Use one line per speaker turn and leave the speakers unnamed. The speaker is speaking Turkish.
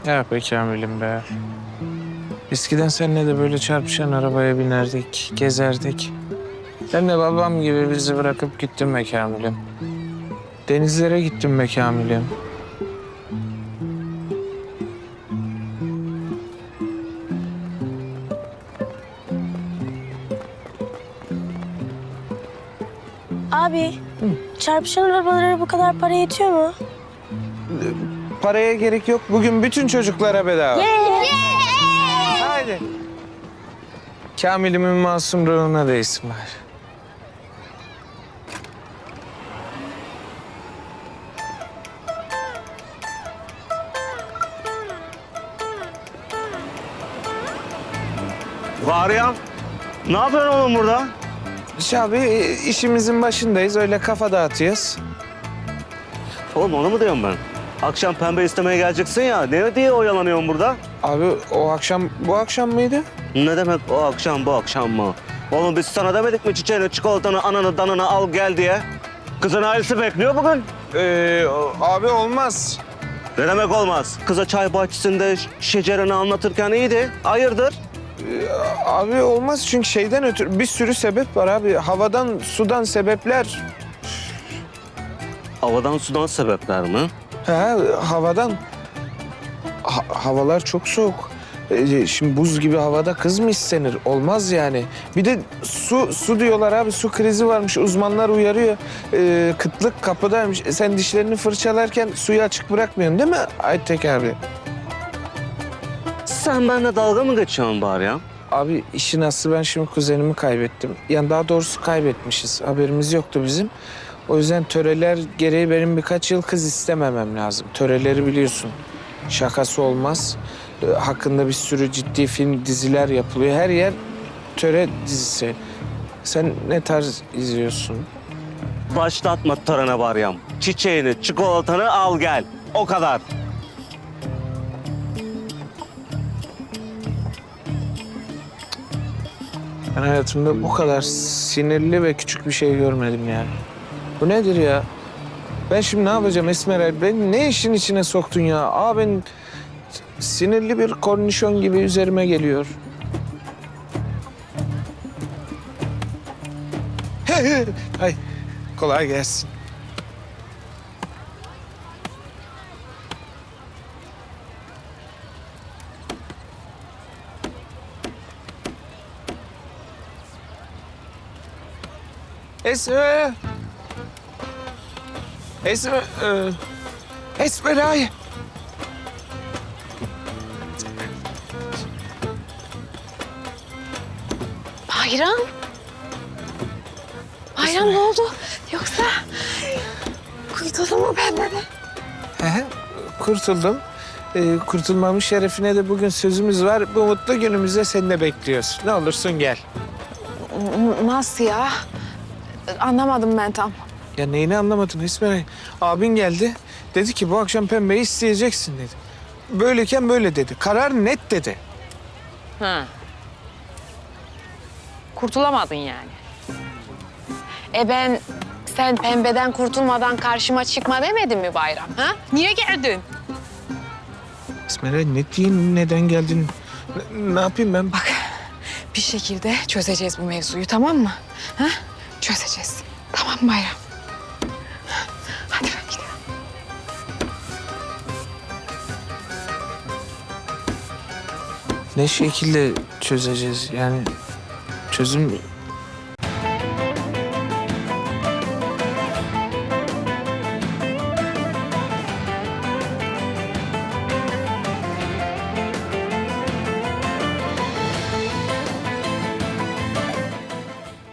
Ya be Kamil'im be. Eskiden seninle de böyle çarpışan arabaya binerdik, gezerdik. Sen de babam gibi bizi bırakıp gittin be Kamil'im. Denizlere gittin be Kamil'im.
Abi, çarpışan arabalara bu kadar para yetiyor mu?
Paraya gerek yok. Bugün bütün çocuklara bedava. Haydi. Kamil'imin masum ruhuna değsin bari.
Var ne yapıyorsun oğlum burada?
Abi işimizin başındayız. Öyle kafa dağıtıyoruz.
Oğlum onu mu diyorum ben? Akşam pembe istemeye geleceksin ya. Ne diye oyalanıyorsun burada?
Abi o akşam, bu akşam mıydı?
Ne demek o akşam bu akşam mı? Oğlum biz sana demedik mi çiçeğini, çikolatanı, ananı, danını al gel diye? Kızın ailesi bekliyor bugün.
Abi olmaz.
Ne demek olmaz? Kıza çay bahçesinde şecereni anlatırken iyiydi. Hayırdır?
Abi olmaz çünkü şeyden ötürü bir sürü sebep var abi. Havadan, sudan sebepler.
Havadan sudan sebepler mi?
Ha, havadan. Havalar çok soğuk. Şimdi buz gibi havada kız mı istenir? Olmaz yani. Bir de su diyorlar abi. Su krizi varmış. Uzmanlar uyarıyor. Kıtlık kapıdaymış. Sen dişlerini fırçalarken suyu açık bırakmıyorsun değil mi Aytek abi?
Sen benimle dalga mı geçiyorsun bari ya?
Abi işin aslı ben şimdi kuzenimi kaybettim. Yani daha doğrusu kaybetmişiz. Haberimiz yoktu bizim. O yüzden töreler gereği benim birkaç yıl kız istememem lazım. Töreleri biliyorsun. Şakası olmaz. Hakkında bir sürü ciddi film, diziler yapılıyor. Her yer töre dizisi. Sen ne tarz izliyorsun?
Başlatma törene Baryam. Çiçeğini, çikolatanı al gel. O kadar.
Ben hayatımda bu kadar sinirli ve küçük bir şey görmedim yani. Bu nedir ya? Ben şimdi ne yapacağım Esmer? Ben ne işin içine soktun ya? Ben sinirli bir kornişon gibi üzerime geliyor. Ay, kolay gelsin. Esmer. Esmer. Esmeray.
Bayram? Bayram ne oldu? Yoksa kurtuldun mu benden?
Kurtuldum. Kurtulmamın şerefine de bugün sözümüz var. Bu mutlu günümüzde seni de bekliyoruz. Ne olursun gel.
Nasıl ya? Anlamadım ben tam.
Ya neyini anlamadın İsmail? Abin geldi. Dedi ki bu akşam pembeyi isteyeceksin dedi. Böyleyken böyle dedi. Karar net dedi.
Ha. Kurtulamadın yani. Ben sen pembeden kurtulmadan karşıma çıkma demedim mi Bayram? Ha? Niye geldin?
İsmail ne diyeyim, neden geldin? Ne yapayım ben?
Bak bir şekilde çözeceğiz bu mevzuyu, tamam mı? Ha? Çözeceğiz. Tamam mı Bayram? Hadi ben gidiyorum.
Ne şekilde çözeceğiz yani? Çözüm